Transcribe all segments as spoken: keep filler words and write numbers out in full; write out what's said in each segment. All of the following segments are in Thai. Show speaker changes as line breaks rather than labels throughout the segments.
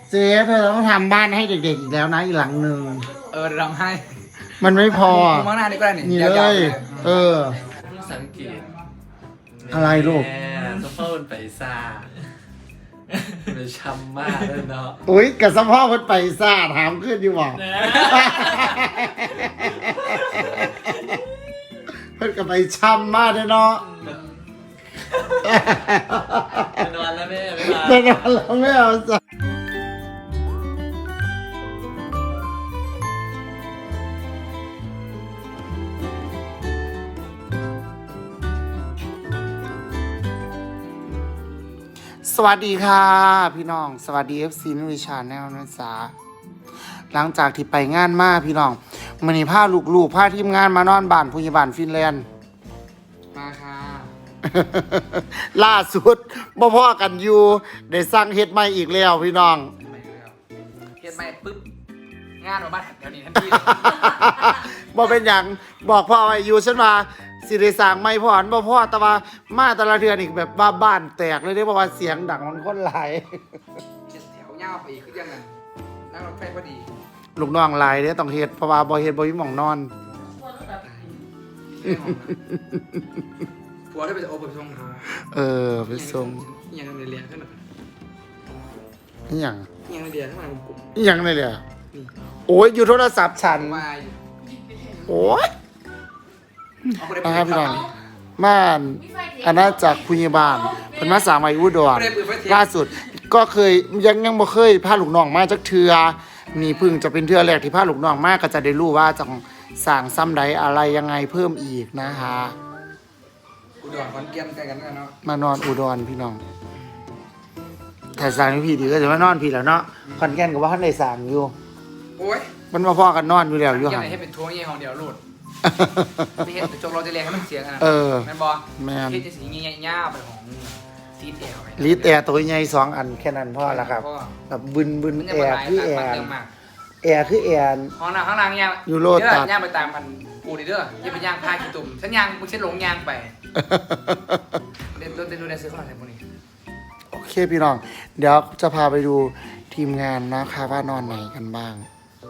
เจ๊เธอต้องทำบ้านให้เด็กๆอีกแล้วนะอีกหลังหนึ่ง
เออทำให้
มันไม่พอ
มุมข้างหน้านี่ก็ได้นี่
นี่เลยเออ
สังเกต
อะไรลูก
สะโพกไปซาไปช้ำมากเลยเนาะ
อุ้ยกับสะโพกมันไปซาถามขึ้นอยู่บอกเพิ่นกับไปช้ำมากเลยเนาะ
ไปนอนแล้วแม่
ไปนอนแล้วไม่เอาจ้ะสวัสดีค่ะพี่น้องสวัสดี เอฟ ซี นุวิชาแนลนะจ๊ะหลังจากที่ไปงานมาพี่น้องมื้อนี้พาลูกๆพาทีมงานมานอนบ้านผู้ใหญ่บ้านฟินแลนด์
มาค่ะ
ล่าสุดบ่พอกันอยู่ได้สั่งเฮ็ดใหม่อีกแล้วพี่น้อง
เฮ็ดใหม่ปึ๊บงานมาบ้านแถวนี้ทันที
บ่เป็นหยังบอกพ่อไว้อยู่ฉันว่าสิได้สร้างใหม่พ่ออันบ่พอแต่ว่ามาแต่ละเทื่อนี่แบบว่าบ้านแตกเลยเด้เพราะว่าเสียงดังมันคนหลาย
เจ็ดแถวยาวไปอีกคือยังไงนั่งรถไฟพอดี
ลูกน้องหลายเด้ต้องเฮ็ดเพราะว่าบ่เฮ็ดบ่มีหม่องนอน
ผัวได้ไปโอไปส่ง
เออไปส่ง
ยังในเรียนขึ้นมา
อีหยัง
ยังในเรียนขึ้นมากลุ่ม
อีหยังเลยเหรอโอ้ยอยู่โทรศัพท์ฉันโอ้ยมาครับพี่น้องม่านอาณาจักรพุญบาลเป็นมาสามวัยอุดรล่าสุดก็เคยยังยังบ่เคยพาลูกน้องมาจักเทือนี่พึ่งจะเป็นเทือแรกที่พาลูกน้องมาก็จะได้รู้ว่าจะสั่งซ้ำใดอะไรยังไงเพิ่มอีกนะคะ
อุดรขอนแก่นใกล้กันเนาะ
มานอนอุดรพี่น้องถ้าสั่งพี่ดีก็จะมานอนพี่แล้วเนาะขอนแก่นก็ว่าท่านได้สั่งอยู่
โอ้ย
มันมาพอกันนอนอยู่แล้วอยู่ห่าง
ให้เป็นทัวร์เงี้ยของเดียวรูดไม่เห็นแต่จงเราจะเรียนให้มันเสียงนะ
เออ
แมนบอ
แมน
ที่จะสีเงี้ยง่าไปของซีดแอล
ลีดแอร์ตัวใหญ่สองอันแค่นั้นพอละครับแบบบึนบึนแอร์คือแอร์แอร์คือแอร์
ห้องน้ำห้องน้ำย่าง
ยูโรตัด
ย่างไปตามมันกูดิเด้อย่าไปย่างพาขี้ตุ่มฉันย่างมึงฉันหลงย่างไปเดินเดินดูในซื้อข้าวอะไรพวกนี้
โอเคพี่น้องเดี๋ยวจะพาไปดูทีมงานนะคะว่านอนไหนกันบ้าง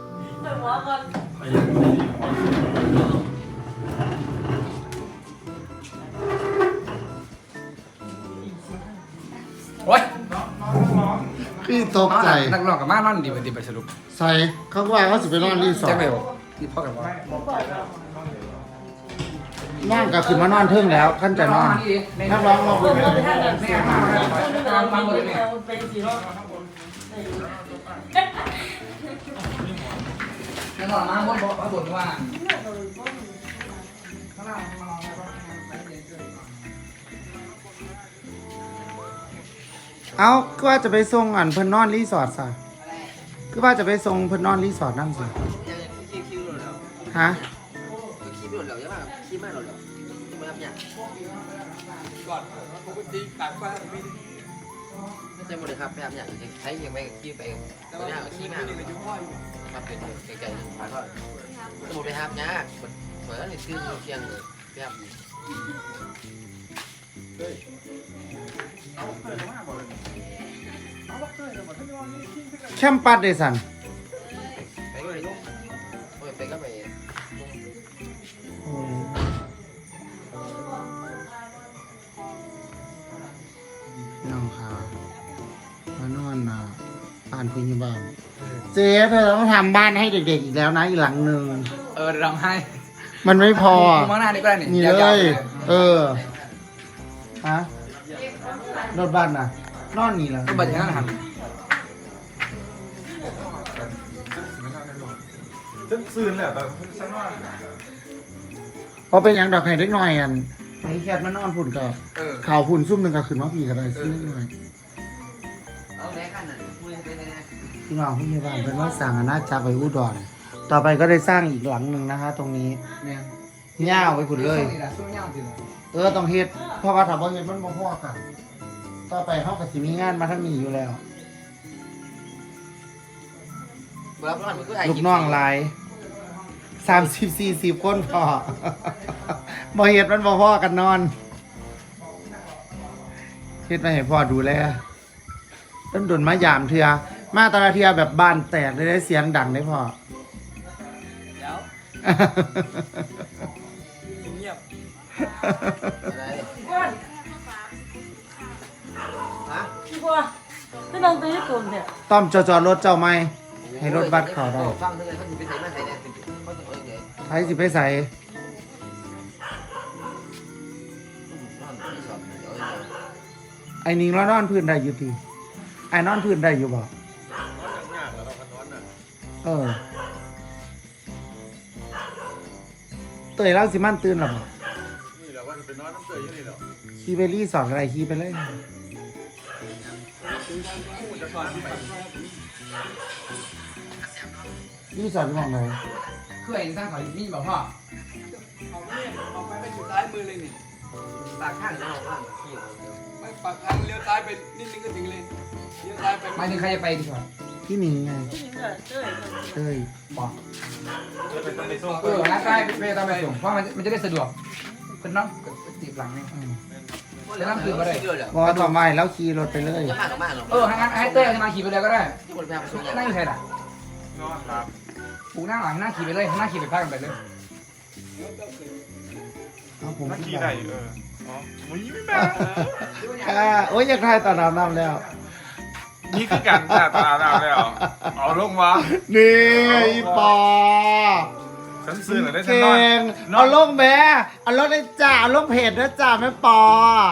โอ๊ย
พี่ตกใจ
นักร้องกับมานอนดีไปดีไปสรุป
ใส่เขาว่าเขาสิไปนอนรีสอร์ท
ที่พ่อกับว่า
นั่งก็คือมานอนเทิงแล้วขั้นจะนอนนักร้องมาบนนัก
ร้องมาบนบอกว่าบนว่า
เอาก็ว่าจะไปส่งอันเพิ่นนอนรีสอร์ทซะก็ว่าจะไปส่งเพิ่นนอนรีสอร์ทนั่งสิฮะ
คีบหลุดแล้วใช่ไหมคีบไม่หลุดแล้วจะมาทำอย่างก่อนปกติต่างฟ้าไม่ไม่ใช่หมดเลยครับพยายามอย่างใช้ยังไม่คีบไปแต่ว่าคีบมาครับเป็นไกลๆผ่านก็สมุดไปครับยากเหมือนนี่ซื้อเชียงเลยพยายาม
แคมปัสเดซัน
ไปก็ไปไปก็ไป
น้องค่ะมานอนนะบ้านพุญญบ้านเจ๊เธอต้องทำบ้านให้เด็กๆอีกแล้วนะอีกหลังหนึ่ง
เออทำให้
มันไม่พอ
มุมข้างหน้านี่ก็ได้
นี่เลยเออฮะรถบ้านน่ะนอนนี่แหละ
รถบ้านอย่างนั้นหัน
ฉันซื้อแหละแต่ฉันว่า
พอเป็นอย่างดอกไข่เล็กน้อยอันไอ้แคทมันนอนพุ่นก็ข่าวพุ่นซุ่มหนึ่งก็ขึ้นมาพี่ก็ได้ซื้อเล็กน้อย
เอาแม่กันน่ะพูดไปเลยนะ
พี่น้องพี่บ้านเป็นว่าสั่งอาณาจักรไปอุดรต่อไปก็ได้สร้างอีกหลังหนึ่งนะคะตรงนี้เนี่ยเง่าไปพุ่นเลยเออต้องเฮ็ดเพราะว่าถ้าบ่เฮ็ดมันบ่พอกันต่อไปเขาก็สิมีงานมาทั้งนี้อยู่แล้วลูกน้องหลายสามสิบสี่สิบคนพอบ่เฮ็ดมันบ่พอกันนอนเฮ็ดมาให้พ่อดูแลต้นดนมายามเถื่อมาตอนนาทีแบบบานแตกเลยได้เสียงดังได้พอ
เดี๋ยวเงียบ
อะไร
ว่า
ฮะ
พี่บัวพี่น้องตัวญี่ปุ่นเนี่ย
ต้อมจอจอรถเจ้าไหมให้รถบัสเข้าได้
ฟังเท่าไหร่เขาจะไปใส่มาใส่เนี่ยเขาจะเอาอย่างไร
ใช้สิไปใส่
นอนที่สอบเดี๋ยวเอาอย่างไร
ไอ้นิงแล้วนอนพื้นได้อยู่ทีไอ้นอนพื้นได้อยู่บ่เออเตยเล่าสิมันตื่นหรอบ่
นี่แหละว่าจะไปนอนน้ำเตยอยู่นี่เหรอ
ขี่ไปรีสอร์ทอะไรขี่ไปเลย
จะก่อนไป
รีสอร์ทมองไหน
เคยเห็นสร้างเขานี่บอกพ่อ
เอาเนี่ยเอาไปไปอยู่ซ้ายมือเลยนี่
ปากข้างแล้วข้างขี้
ไปปากทางเลี้ยวซ้ายไปนิดนึงก็ถึงเลยเลี้ยวซ้ายไป
หมายถึงใครจะไปดีกว่า
พี่หนิงไง
พี่หญิงเลยเจ้ย
เอ้ย
บอก
จะไปต้องไปส่ง
เออนะใช่ไปตามไปส่งเพราะมันมันจะได้สะดวกเป็นน้องตีบหลังนี่
อืม
แล้วคืออะไรเยอะเลย
พอต่อไปแล้วขี่รถไปเลย
จะมากกับมากหรอ
เออให้งั้นให้เต้ยจะมาขี่ไปเลยก็ได้
ที่คนพยายามส่ง
นั่งอยู่ใครล่ะ
นอนครับ
ปูนั่งหลังนั่งขี่ไปเลยนั่งขี่ไปพักกันไปเลย
เอาผม
นัก
ขึ้น
ขี่
ไป
ได้เอออ๋อมึงไม่แม่
อ่าโอ้ยอยากทายตอนน้ำน้ำแล้ว
นี่คือการแต่ตาเราแล้วเอาลงวะ
นี่อีปอ
ฉันซื้อหน่อยได้ฉัน
เก่
นอน
ง
นอ
เอา
น
ลงแม่เอาลงได้จ้าเอาลงเพจนะจ้าแม่ปอ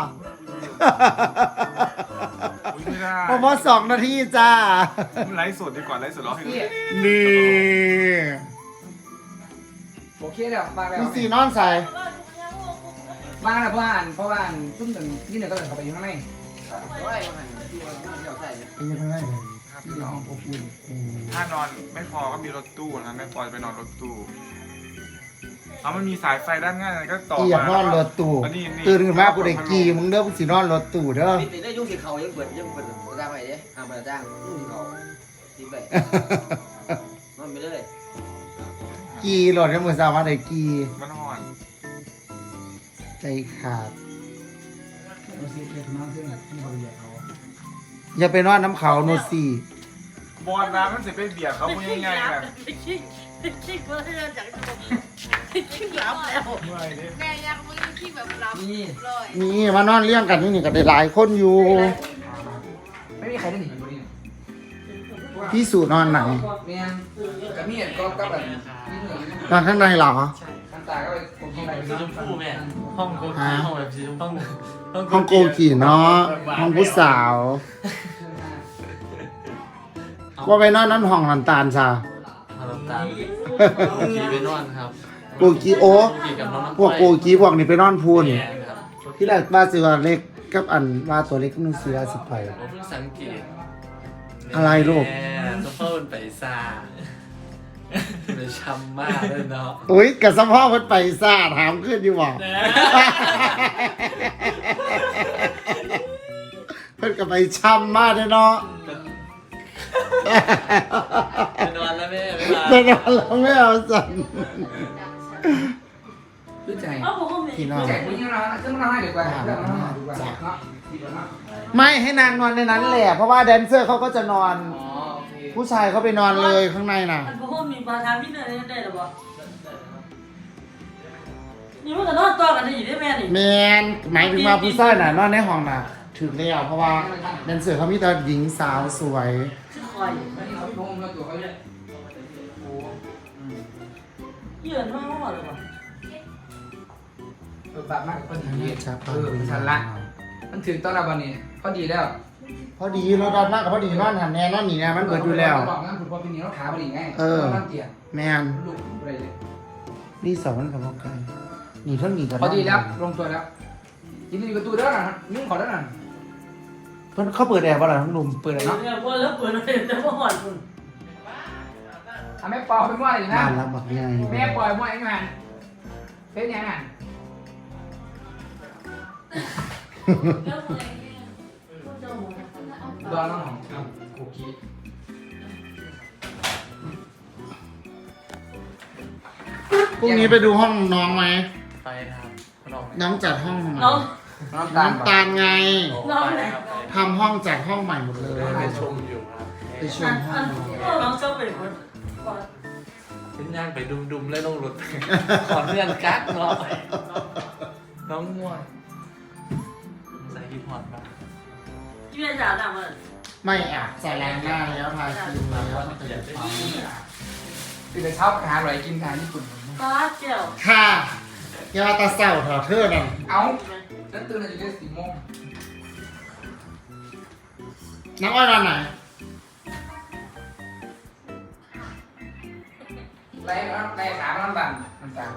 อุ๊ยไม่ได้
พอพอสองนาทีจ้า
ไลฟ์สดดีกว่าไลฟ์สดร้องให้ดู
นี่
โอเคเดี๋ยวมาแล้ว
มีสีนอนใส่
มาแล้วเพราะว่าเพราะว่าซุ่มหนึ่งนี่หนึ่งก็เลยเข้าไปอยู่ข้างใน
โอ้ยมันที่ว่าเดี๋ยวใส่เนี่ย
ไปยังไงเลย
ครับ
ที่
พี่น้
ห้
อ
อง งอบอุ่น
อืม
ถ้านอนไม่พอก็มีรถตู้นะไม่พอจะไปนอนรถตู้เอามันมีสายไฟด้านง่ายก็ต่อ
อีอยากนอนรถตู้
อันนี้นี่
ตื่นขึ้นมากูได้กีมึงเด้อกูสินอนรถตู้เด้อ
มีติดได้ยุ่งสิเขายังเปิดยังเปิดจ้างไปเด้อ่าเปิดจ้างยุ่งสิเขาทิ้งไปนอนไปเลย
กีรถยังมือสาวมาได้กี
มันห่อน
ใจขาด
เราซีเรียสมากขึ้นที่บริเวณเขา
อย่าไปนอนน้ำเขาโนซี
บอลน้ำมันจะไปเบียดเขาพูดง่ายๆแบบ
คิกคิกเพื่อที่จะจากคิกรับแล้ว
เมื่อยดิ
แม่ยังไม่ได้คิดแบบรับ
นี่
เลย
นี่มานอนเลี้ยงกันนี่นี่ก็ได้หลายคนอยู่
ไม่มีใครได้หนีบริเวณ
พี่สูนอนไหน
เนี่ยกับมีดก็ก็แบบนี่เหนื่อย
นอนข้างในเหรอ
คันตาก็ไปกดที่ไหน
สีชมพูแม่ห้องโกกีห้องแบบสีชมพู
ห้องโกกี่เนาะห้องผู้สาว ว่าไปนอนนั้นห้องน้ำตาลซะ
มาลำตาลโกกีไปนอนครับ
โกกีโอ
โกกีกับน้องน้ำ
พวกโกกีพวกนี้ไปนอนพูน
เนี่ยครับ
ที่แรกว่าสิว่าเล็กกับอันว่าตัวเล็กนึงเสือสิไป
ผมเพิ่งสังเกต
อะไรลูก
แม่จะเพิ่มไปซ่าไปช้ำมากเลยเนาะ
อุ้ยกับสะพ่อมันไปซ่าถามขึ้นอยู่บ่เพิ่นก็ไปช้ำมากเลยเนาะ
ไปนอนแล้วแม่ไม่มา
ไปนอนแล้วไม่เอาสั่น
รู้ใจ
เอ้าผมก็มี
พี่น้อ
รู้
ง
ใจคุณยังนอนขึ้นมานอนดีกว่าเรื่องนอนดีกว่าเนาะดีกว่าเนาะ
ไม่ให้นางนอนในนั้นแหละเพราะว่าแดนเซอร์เขาก็จะนอน
อ๋อโอเค
ผู้ชายเขาไปนอนเลยข้างในน่ะ
มันผมก็มีปลาทางพี่เนยได้หรอวะนี่มันก็นอนตัวกันได้อยู่ได้แม่นี่
แมนหมายถึงว่าผู้ชายน่ะนอนในห้องน่ะถึงแล้วเพราะว่าแดนเซอร์เขามีแต่หญิงสาวสวย
ชื่อคอย
แล้วนี่เขาลงมาตัวเขาเนี่ยโอ้
เยื่อนมากมากเลยวะ
เออแบบมากพอดี
ชัก
เออชันละมันถึงตอนเราวันนี้พอดีแล้ว
พอดีเราดันมากกับพอดีนอนหันแน่นอนหนีแน่มันเบิดอยู่แล้ว
บอกงั้นคุณพ่อพี่นี่เขาขาพอดีไงนั่งเตียง
แมน
ลูกอะไรเลย
นี่สองมันกับพวกกันนี่เท่านี้กัน
พอดีแล้วลงตัวแล้วยินดีกับตัวเด้อนะนุ่งขอเด้อนะ
เพิ่นเขาเปิดแอร์ป่ะล่ะทั้งลุม
เปิดเลยเนาะ
เนี่ยพอแล้วเปิดเลยแต่ว่าหอนคุณ
ทำแม่ปล่อยไปมั่วเลยนะ
บ้านรับบักใหญ่
แม่ปล่อยมั่วเองงานเป็นยังไง
แล้วเมื่อไหร่จะหมด
ดอนน้องของโอเค
พรุ่งนี้ไปดูห้องน้องไหม
ไปนะครับน้อง
น้องจัดห้องใหม่
น้อง
น้ำตาล
น้ำตาลไง
ไปครับ
ทำห้องจัดห้องใหม่หมดเลย
ไปชมอยู่ครับ
ไปชมห้อง
น้องชอบเป็นคน
เป็นย่างไปดุมๆเลยลงรถ ขอเลื่อนกั๊กเนาะน้องง่วงใส่ฮิปฮอปบ้าง
ที่เป็นจ๋าหนักเลย
ไม่อ่ะใส่แรงหน้าแล้วทาครีมแล้วมันจะเป็นความ
ตื่นแต่เช้าไปหาอร่อยกินทานญี่ปุ่น
ป้าเจียว
ค่ะยาตาเศร้าเถอเธอนั่น
เอ้าฉันตื่นอยู่ที่สี่โมง
น้องอ้อยนอนไหน
ไล่ไล่ขามันบันมันตา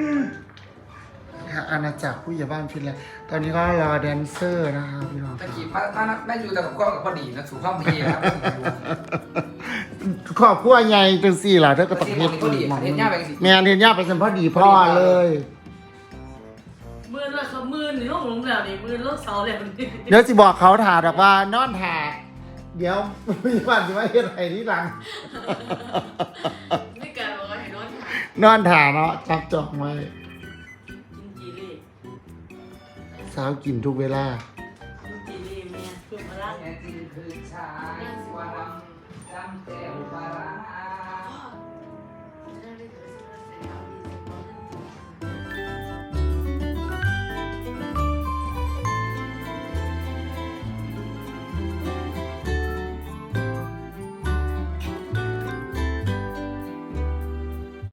อาณาจักรผู้ใหญ่บ้านฟินแลนด์ตอนนี้ก็รอแดนเซอร์นะครับพี่น้องค
ตะ
รับ
กี้พระพระแม่อยู่แต่กับกล้องกับพอดีนะสู่ข้อมพีนะครับ
ครอบครัวใหญ่จังสี่ล่ะเธอก็ต้องเฮ็ดอีกหมองนึงแม่นเฮ็ดย่าไปสัมพอดีพ่อเลย
มือเลยเขามือหนึ่งลูกหลงแล้วนี่มือลูกเสาแล้วนี่
เดี๋ยวสิบอกเขาถ่าดอกว่านอนถ่าเดี๋ยวมีวันจะมาเฮ็ดอะไรที่หลัง
ไม่เกินบอกว่าเห็นรถ
นอนถ่าเนาะจับจองไว้
กินจีรี
สาวกินทุกเวลา
กินจีรีแม่คือมาล่าง
แม่จีคือชายสวรรค์จำเจ้าบารา